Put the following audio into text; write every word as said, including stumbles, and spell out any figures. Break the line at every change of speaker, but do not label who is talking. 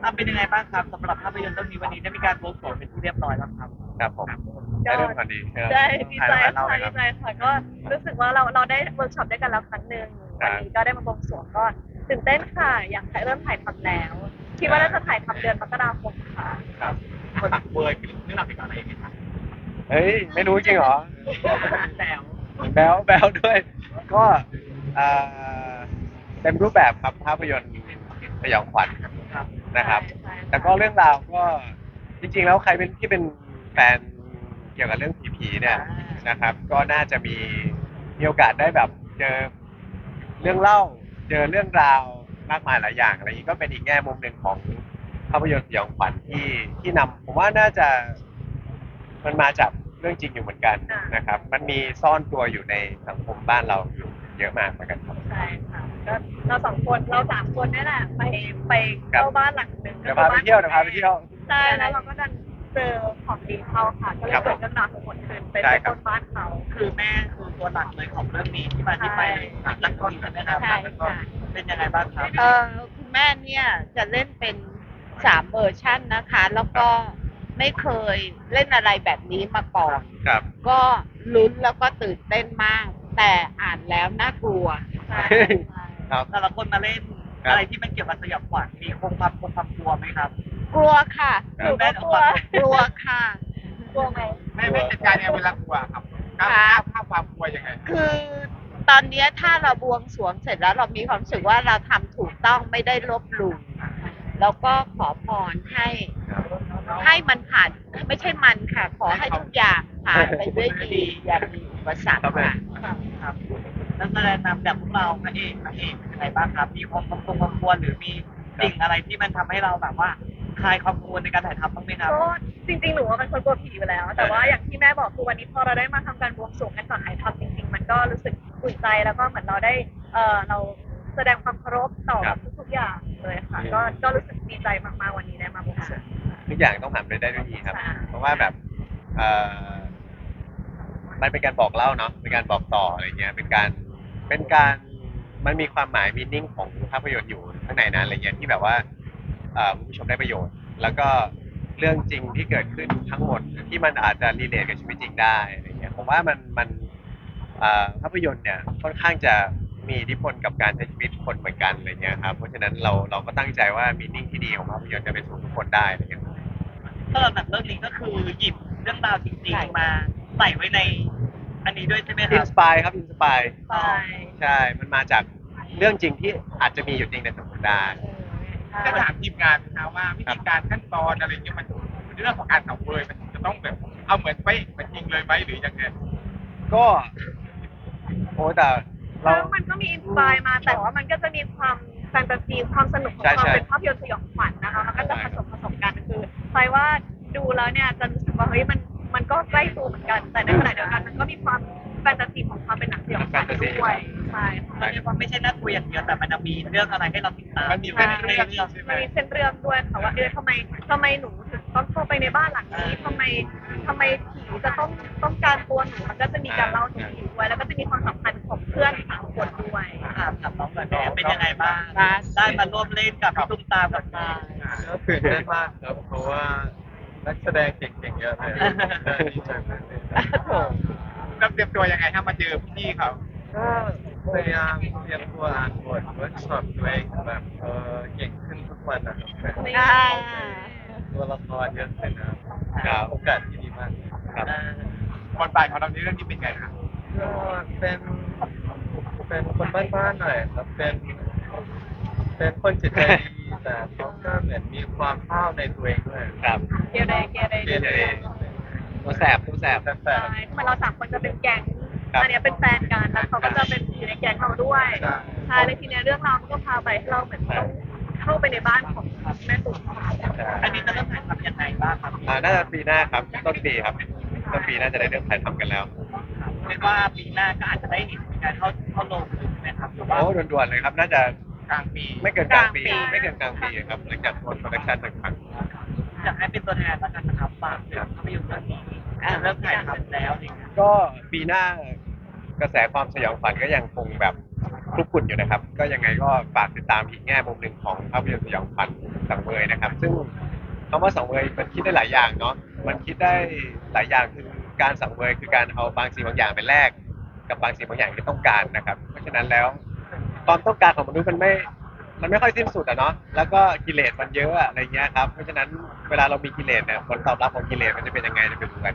ทำเป็นยังไงบ้างครับสำหรับภาพยนตร์เรื่องนี้วันนี้ได้มีการโปรโมทเป็นที่เรียบร้อยแล้วครับ
ครับผม
ก็
ได้เรื่องก่อนดี
ใช่ดีใจ
เล่า
ค่ะ
เลยครับ
ดีใจค่ะก็รู้สึกว่าเราเราได้เวิร์กช็อปด้วยกันแล้วครั้งหนึ่งวันนี้ก็ได้มาบวงสรวงก็ตื่นเต้นค่ะอยากให้เริ่มถ่ายทำแล้วคิดว่าน่าจะถ่ายทำเดือนมกราคมค่ะ
ครับ
คนตักเบอร์เรื่องราวเกี่ยวกับอะไรอย่างเงี้ยครับ
เฮ้ยไม่รู้จริงเหรอ
แล้ว
แบลแบลด้วยก็อ่าเต็มรูปแบบครับภาพยนตร์สยองขวัญ
ครับ
นะครับ
ใช่ใช่
แต่ก็เรื่องราวก็จริงๆแล้วใครเป็นที่เป็นแฟนเกี่ยวกับเรื่องผีๆเนี่ยนะครับ ก็น่าจะมีมีโอกาสได้แบบเจอเรื่องเล่าเจอเรื่องราวมากมายหลายอย่างอะไรอย่างนี้ก็เป็นอีกแง่มุมหนึ่งของภาพยนตร์สยองขวัญที่ที่นำผมว่าน่าจะมันมาจากเรื่องจริงอยู่เหมือนกันนะครับ มันมีซ่อนตัวอยู่ในสังคมบ้านเราอยู่เยอะมากเหมือนกันครับ
ใช่ค่ะก็เราสองคนเราสามคนนี่แหละไปไป
ครับ
เข้าบ้านหลังหนึ่ง
เดี๋ยวพาไปเที่ยวเดี๋ยวพาไปเที่ยว
ใช่แล้วเราก็ดันเจอของดีเข้าค่ะก็เลย
ครับ
เกิดเรื่องราวทั้งหมดขึ้นเป็น
ใช่
ไป
ครับ
ต้นบ้านเขา
คือแม่คือตัวหลักเลยของเรื่องนี้ที่มาที่ไปเลยรักต้นใช่ไหมครับ
ใช่ค่ะ
เป็นยังไงบ้างครับ
เออคุณแม่เนี่ยจะเล่นเป็นสามเวอร์ชันนะคะ แล้วก็ไม่เคยเล่นอะไรแบบนี้มาก่อน
ครับ
ก็ลุ้นแล้วก็ตื่นเต้นมาก แต่อ่านแล้วน่ากลัว
ใช่ใช่
ครับ
แต่ละคนมาเล่น
ครับ
อะไรที่มันเกี่ยวกับสยองขวัญมีคงความคงความกลัวไหมครับ
กลัวค่ะ
หนูก็กลัว
กลัวค่ะ
กลัวไหม
แม่แม่จัดการยังไงเวลากลัวครับก้าว
ครับ
ข้ามความกลัวยังไง
คือตอนเนี้ยถ้าเราบวงสรวงเสร็จแล้วเรามีความรู้สึกว่าเราทำถูกต้องไม่ได้ลบหลู่แล้วก็ขอพรให้ ให้มันผ่านไม่ใช่มันค่ะ ขอให้ทุกอย่างผ่านไปด้วยดีอย่ามีอุปสรรคค่ะ
ครับนักแสดงนำจากพวกเราพระเอกนางเอกเป็นยังไงบ้างครับ มีความกังวลความกลัวหรือมีสิ่งอะไรที่มันทำให้เราแบบว่าคลายความกังวลในการถ่ายทำบ้างไหมครับ
ก็จริงๆหนูว่าเป็นคนกลัวผีอยู่แล้ว แต่ว่าอย่างที่แม่บอกคือวันนี้พอเราได้มาทำการบวงสรวงกันก่อนถ่ายทำจริง ๆ มันก็รู้สึกอุ่นใจแล้วก็เหมือนเราได้เออเราแสดงความเคารพต่อ
ครับ
ทุกๆอย่างเลยค่ะ ก็ก็รู้สึกดีใจมากๆวันนี้ได้มาบวงสรวง
ทุกอย่างต้องผ่านไปได้ด้วยดีครับ
ใช่
เพราะว่าแบบเอ่อมันเป็นการบอกเล่าเนาะเป็นการบอกต่ออะไรเงี้ยเป็นการเป็นการมันมีความหมายมีนิ่งของภาพยนตร์อยู่ข้างในนั้นอะไรเงี้ยที่แบบว่าเอ่อคุณผู้ชมได้ประโยชน์ แล้วก็เรื่องจริงที่เกิดขึ้นทั้งหมดที่มันอาจจะรีเลทกับชีวิตจริงได้อะไรเงี้ยผมว่ามันมันเอ่อภาพยนตร์เนี่ยค่อนข้างจะมีอิทธิพลกับการใช้ชีวิตคนเหมือนกันอะไรเงี้ยครับเพราะฉะนั้นเราเราก็ตั้งใจว่ามีนิ่งที่ดีของภาพยนตร์จะไปสู่ทุกคนได้อะไรเงี้ย
สำหรับหนังเรื่องนี้ก็คือหยิบเรื่องราวจริงๆมาใส่ไว้ในอันนี้ด้วยใช่ไหมค
อิ
รั
น
บ
สปายครับอินสปาย
ใช่
ใช่ มันมาจากเรื่องจริงที่อาจจะมีอยู่จริงในสังคมได้
ก็ถามทีมงานนะว่าวิธีการขั้นตอนอะไรเงี้ยมันเรื่องของการสังเวยมันจะต้องแบบเอาเหมือนไปเหมือนจริงเลยไหมหรือยังไง
ก็โอ้แต่เรา
แล้วมันก็มีอินสปายมาแต่ว่ามันก็จะมีความแฟนตาซีความสนุกของ
ใช่
ความ
ใช่
เป็นภาพยนตร์สยองขวัญนะคะมันก็จะผสมผสมกันคือใครว่าดูแล้วเนี่ยจะรู้สึกว่าเฮ้ยมันมันก็ใกล้ตัวเหมือนกัน แต่ในขณะเดียวกันมันก็มีความแฟนตาซีของความเป็นหนังสยองขวัญด้วยใช่ค่ะ
มันเรียกว่าไม่ใช่น่ากลัวอย่างเดียวแต่มันจะมีเรื่องอะไรให้เราติดตาม
มันมีเส้นเรื่องใช่ไหม
มันมีเส้นเรื่องด้วยค่ะว่าเออทำไมทำไมหนูถึงต้องเข้าไปในบ้านหลังนี้ทำไมทำไมผีจะต้องต้องการตัวหนูมันก็จะมีการเล่าถึงผีด้วยแล้วก็จะมีความสัมพันธ์ของเพื่อนสามคนด้วย
ถามถามน้องหน่อยแม่เป็นยังไงบ้าง
ครับ
ได้มาร่วมเล่นกับพี่ตุ้มตามกับมา
ก็ตื่นเต้นมากครับ เพราะว่านักแสดงเก่งๆเยอะเลยได้ดีใจมากเลยครับ
เราเตรียมตัวยังไงถ้ามาเจอพี่เขา
ก็พยายามเตรียมตัวอ่านบทเวิร์กช็อปตัวเองแบบเออเก่งขึ้นทุกวันนะครับ
อ่า
ตัวละครเยอะขึ้นนะครับ
ครับ
โอกาสที่ดีมาก
ครับ
บทบาทของเราในเรื่องนี้เป็นไงครับ
ก็เป็นเป็นคนบ้านๆหน่อยครับ เป็น เป็นคนจิตใจดีแต่เขาก็เหมือนมีความห้าวในตัวเองด้วย
ครับ
เกเรเกเร
เกเร
ตัวแสบตัวแสบ
แต่
ใช่เหมือนเราสามคนจะเป็นแก๊ง
ครับ
อันเนี้ยเป็นแฟนกันแล้วเขาก็จะเป็นอยู่ในแก๊งเราด้วย ใช่แล้วทีเนี้ยเรื่องราวมันก็พาไปให้เราเหมือนต้องเข้าไปในบ้านของแม่ตุ๋ม
อันนี้จะเริ่มถ่ายทำยังไงบ้างครับ
อ่าน่าจะปีหน้าครับ ต้นปีครับ ต้นปีน่าจะได้เริ่มถ่ายทำกันแล้ว
เรียกว่าปีหน้าก็อาจจะได้เห็นการเข้าเข้าลงใช่ไหมครับหรือว่า
โอ้ด่วนๆเลยครับ น่าจะ
กลางปี
ไม่เกินกลางปี ไม่เกินกลางปีครับ หลังจากโปรดักชั่นต่าง
อยากให้เป็นตัวแทนแล้วกันนะครับฝากเรื่องภาพยนตร์เรื่องนี้จะเริ่มถ่ายทำแล้วอะไรเงี้ย
ๆก็ปีหน้ากระแสความสยองขวัญก็ยังคงแบบคลุกคลุ่นอยู่นะครับ ก็ยังไงก็ฝากติดตามอีกแง่มุมหนึ่งของภาพยนตร์สยองขวัญสังเวยนะครับ ซึ่งคำว่าสังเวยมันคิดได้หลายอย่างเนาะมันคิดได้หลายอย่างคือการสังเวยคือการเอาบางสิ่งบางอย่างไปแลกกับบางสิ่งบางอย่างที่ต้องการนะครับ เพราะฉะนั้นแล้วความต้องการของมนุษย์มันไม่มันไม่ค่อยสิ้นสุดอะเนาะแล้วก็กิเลสมันเยอะอะอะไรเงี้ยครับเพราะฉะนั้นเวลาเรามีกิเลสเนี่ยผลตอบรับของกิเลสมันจะเป็นยังไงจะเป็นยังไง